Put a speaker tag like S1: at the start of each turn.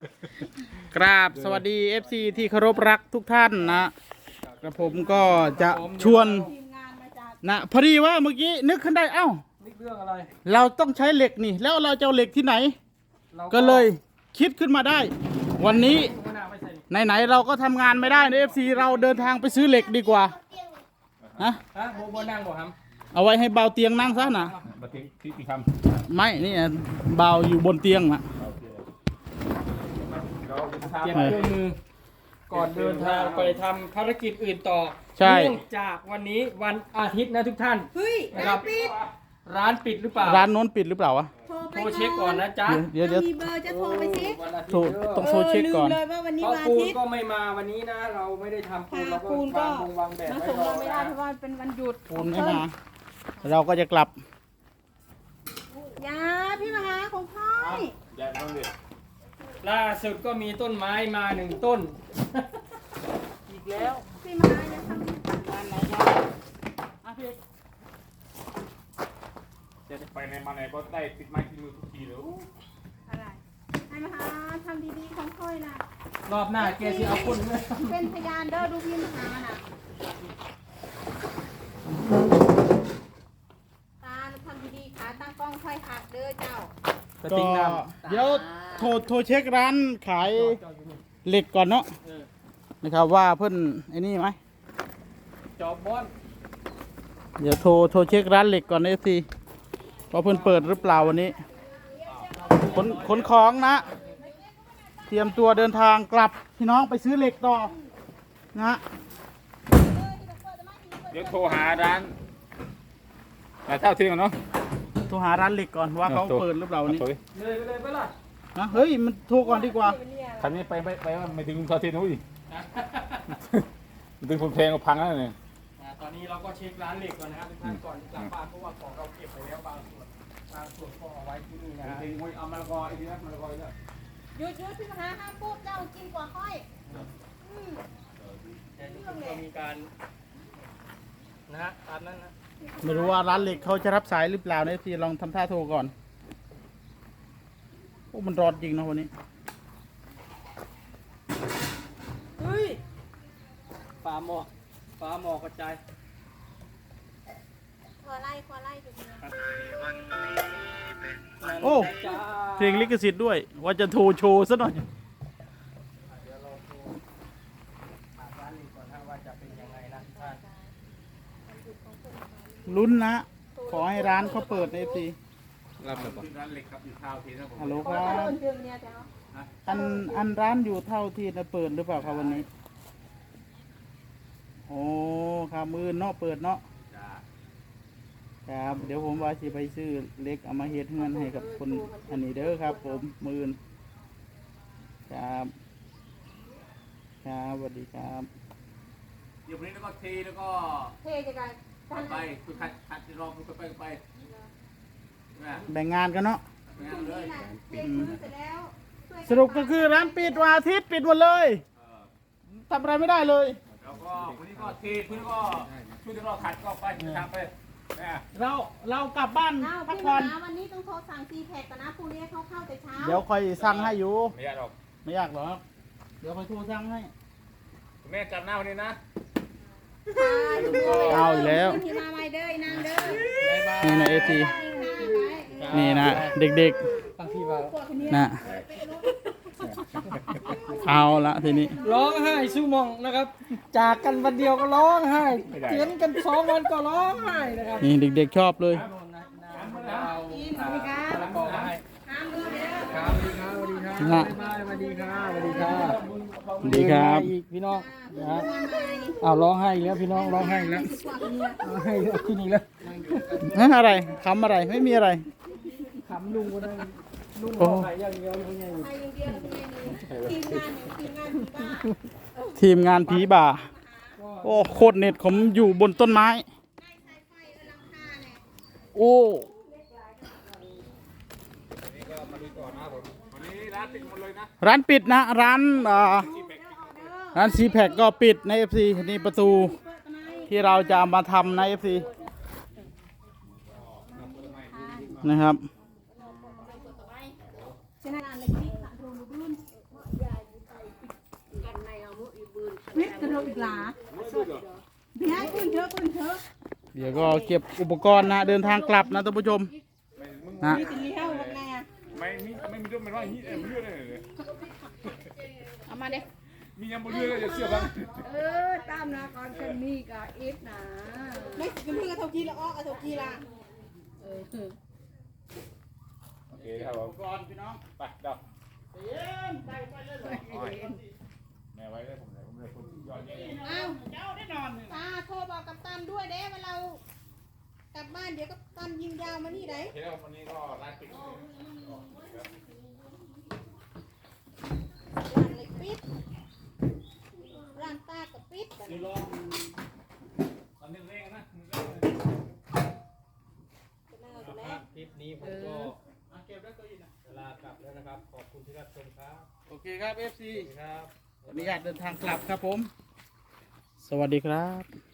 S1: กราบสวัสดี FC ที่เคารพรักทุกท่านนะกระผมก็จะชวนนะพอดีว่าเมื่อกี้นึกขึ้นได้เอ้า
S2: นี่เรื่องอะไร
S1: เราต้องใช้เหล็กนี่แล้วเราจะเอาเหล็กที่ไหน ก็เลยคิดขึ้นมาได้ วันนี้ไหนๆเราก็ทำงานไม่ได้ใน FC เราเดินทางไปซื้อเหล็กดีกว่าฮะ
S2: โบนั่งบ่ครับ
S1: เอาไว้ให้เบาเตียงนั่งซะนะ
S3: มาทิ้งที่ค
S1: ไม่นี่เบาอยู่บนเตียงนะ
S3: ำเราทำ
S2: เตรียมเครื่องมือ ก่อนเดินทางไปทำภารกิจอื่นต่อ
S1: ใช่
S2: เนื่องจากวันนี้วันอาทิตย์นะทุกท่าน
S4: เฮ้ย
S2: นะครับ
S4: ปิด
S2: ร้านปิดหรือเปล่า
S1: ร้านโน้นปิดหรือเปล่าวะ
S4: โทรไป
S2: โทรเช็คก่อนนะจ๊ะ
S1: เดี๋ยว
S4: มีเบอร์จะโทรไปเช็ค
S2: วันอาทิต
S1: โทร
S2: ย์เด้อ
S1: ต้องโทรเช็คก่อน
S4: ลืมเลยว่าวันนี้
S2: เพราะ
S4: วันอา
S2: ปูน
S4: ทิตย์
S2: ก็ไม่มาวันนี้นะ เราไม่ได้ทำปูนเราก็
S4: ปูนก็
S2: วางแบบ
S4: มา
S2: ไว้
S4: ส่ง
S2: รอ
S4: เราไม่ได้
S2: นะ
S4: เพราะว่าเป็นวันหยุด
S1: ปูนไม่มาเราก็จะกลับ
S4: ยาพี่มหาของพ่อย
S3: ยายต้องเรียน
S2: ล่าสุดก็มีต้นไม้มาหนึ่งต้น อีกแล้ว
S4: พี่มหาจะทำ
S3: จะไปไหนมาไหนก็ได้ติดไม้ติดมือทุกทีเลย
S4: อะไรให้มหาทำดีๆของพ่อยนะ
S2: รอบหน้าแกสิเอาคนเลย
S4: เป็นพยานเด้อดูพี่มหาน่ะตาทำดีๆขาตั้งกล้องค่อยหักเด้อเจ้า
S2: กระ
S1: ก็
S2: ติกน้
S1: เดี๋ยวโทรเช็คร้านขาย
S2: ำจอดอยู่นี่
S1: เหล็กก่อนเนาะ
S2: เออ
S1: นะครับว่าเพิ่นไอ้นี่ไหม
S2: จอบบอน
S1: เดี๋ยวโทรเช็คร้านเหล็กก่อนนะสิว่าเพิ่นเปิดหรือเปล่าวันนี้ขนของนะ เตรียมตัวเดินทางกลับพี่น้องไปซื้อเหล็กต่อนะ
S3: เดี๋ยวโทรหาร้านแต่เท่าเที่ยงเนาะ
S1: โทรหาร้านเหล็กก่อนว่าเขาเปิดหรือเปล่าวันนี้
S2: เลยไปเลยไปล่ะ
S1: นะเฮ้ยมันโทรก่อนดีกว่า
S3: คันนี้ไปไม่ถึงเท่าเที่ยงนู้นอีกถึงคนเพลงก็พังแล้วเนี่ย
S2: ตอนนี้เราก็เช็คร้านเหล็กก่อนนะครับทุกท่านก่อนกลับบ้านเพราะว่าของเราเก็บไปแล้วบางส่วนก็เอาไว้ที่นี่นะฮะ
S3: ถึงเอามะละกออีกทีนะมะละกออีกแล้ว
S4: หยุดพี่มหาห้ามพูดเจ้ากินกว่าค่อยอืม
S2: แต่ทุกคนก็มีการนะฮะตามนั้นนะ
S1: ไม่รู้ว่าร้านเหล็กเขาจะรับสายหรือเปล่านะสิลองทำท่าโทรก่อนโอ้มันร้อนจริงนะวันนี้
S2: เฮ้ยฟ้าหมอกกระจาย
S4: ขอไล่ดูนะ
S1: โอ้เพลงลิขสิทธิ์ด้วยว่าจะโทรโชว์ซะหน่อย
S2: เดี๋ยวเราโทรหาร้านเหล็กก่อนนะว่าจะเป็นยังไงนะทุกท่าน
S1: ลุ้นนะขอให้ร้านเขาเปิดในสิ
S3: รับเลยป่ะร้านเหล็กครับอยู่เท่าเที่ยงนะผม
S1: ฮัลโหล
S4: ข
S1: ค
S4: อ
S1: รั
S4: ถน
S1: บ
S4: นเดือนเนี่ยเจ้า
S1: อันร้านอยู่เท่าที่จะเปิดหรือเปล่าครับวันนี้โอ้ครับมือเนาะเปิดเนาะ
S3: จ้า
S1: ครับเดี๋ยวผมว่าสิไปซื้อเล็กเอามาเฮ็ดเงินให้กับคนอันนี้เด้อครับ ผมมือนครับครับสวัสดีครับ
S3: เดี๋ยววันนี้แล้วก็เทแล้วก็
S4: เท่จะกันท่าน
S3: ไปคือขัดจะรอคือไปนะ
S1: แบ่งงานกันเนาะ
S3: งานเลย
S4: เท่พื้นเสร็จแล้ว
S1: สรุปก็คือร้านปิดวันอาทิตย์ปิดหมดเลยทำอะไรไม่ได้เลย
S3: แล้วก็วันนี้ก็เทพื้นก็ช่วยที่เราขัดก็ไปทำไปนะ
S1: เรากลับบ้าน
S4: อ้าว
S1: พัก
S4: พี่
S1: ผ่อน
S4: มหาวันนี้ต้องโทรสั่งซีแพคก่อนนะพรุ่งนี้เขาเข้าแต่เช้า
S1: เดี๋ยวค่อยสั่งให้อยู่
S3: ไม่ยากหรอก
S1: ไม่ยากหรอกเดี๋ยวค่อยโทรสั่งให้
S3: คุณแม่กลับหน้าวันนี้นะ
S1: เอาอีกแล้ว
S4: ที่มาไวเด้ออนางเด้อ
S1: นี่นะเอที
S4: ไป
S1: นี่นะเด็ก
S2: ตั้งที่ว่า
S4: ปวดคนนี้
S1: ๆนะเอาละทีนี้
S2: ร้องไห้ซูมองนะครับ จากกันวันเดียวก็ร้องไห้เถียงกัน2 วันก็ร้องไห้นะครับ
S1: นี่เด็กๆชอบเลย
S2: เอา
S4: สวัสดีครับ
S2: แล้วก็ให้
S4: ห้ามเลยเด้อ
S2: ครับสวัสดีครับสวัสดีครับสวัสดีครับ
S1: สวัสดีครับ
S2: อีกพี่น้องนะฮะอ้าวร้องไห้อีกแล้วพี่น้องร้องไห้อีกแล้วร้องไห้อีกแล้วขึ้นอีกแล้ว
S1: อะไรคำอะไรไม่มีอะไร
S2: ขำลุงคนนั้นลุงร้องไห้อย่างเดียวอยู่ไงอยู่
S4: ไปอย่างเดียวไม่มีทีมงานผีบ้า
S1: ทีมงานผีบ่า โอ้โคตรเน็ตผมอยู่บนต้นไม้ โอ้
S3: วันนี้ร้านปิดหมดเลยนะ
S1: ร้านปิดนะ ร้านร้านซีแพคก็ปิดใน FC นี่ประตูที่เราจะเอามาทำใน FC นะครับ
S4: ฉะนั้นเลยที่ขาดโดนรุ่นลงอีกหลาพี่ให้ขึ้นเถอะขึ้นเถอะ
S1: เดี๋ยวก็เก็บอุปกรณ์นะเดินทางกลับนะท่านผู้ชมนะ
S4: มีตีเท่ากับแม่
S3: ไม่มีด้วยมันว่ามันเลือดเลย
S4: เอามาเด้
S3: มียังบนเลือดเลยเสื้อบ้าง
S5: ตามนะก่อนจะมีกับอีฟนะ
S4: ไม่กินเพื่อนกระทงกีละอ้อกระทงกีละ
S3: โอเคครับผม
S1: อุปกรณ์พี่น้อง
S3: ไปเดี๋ยว
S1: เย็นใส่ไปเลยเลย
S3: แม่ไว้เลยผมเลยคนยอดเยี่ยม
S4: อ้าว
S1: เจ้าได้นอนเลย
S4: ตาโทรบอกกับตันด้วยเด้ว่าเรากลับบ้านเดี๋ยวกับตันยิงยาวมานี่ได้
S3: โอเคแล้ววันนี้ก็ร้านปิด
S4: ร้านเล็กปิดร้านตากับปิด
S3: นี่ลองตอนนี้เร่งนะ
S2: คลิปนี้ผมก็
S1: เก็บได้ตัวอีกนะ
S2: เวลากลับแล้วนะครับ ขอบคุณที่รับชมครับ
S1: โอเคครับ FC
S2: ครับ
S1: ขออนุญาตเดินทางกลับครับผม สวัสดีครับ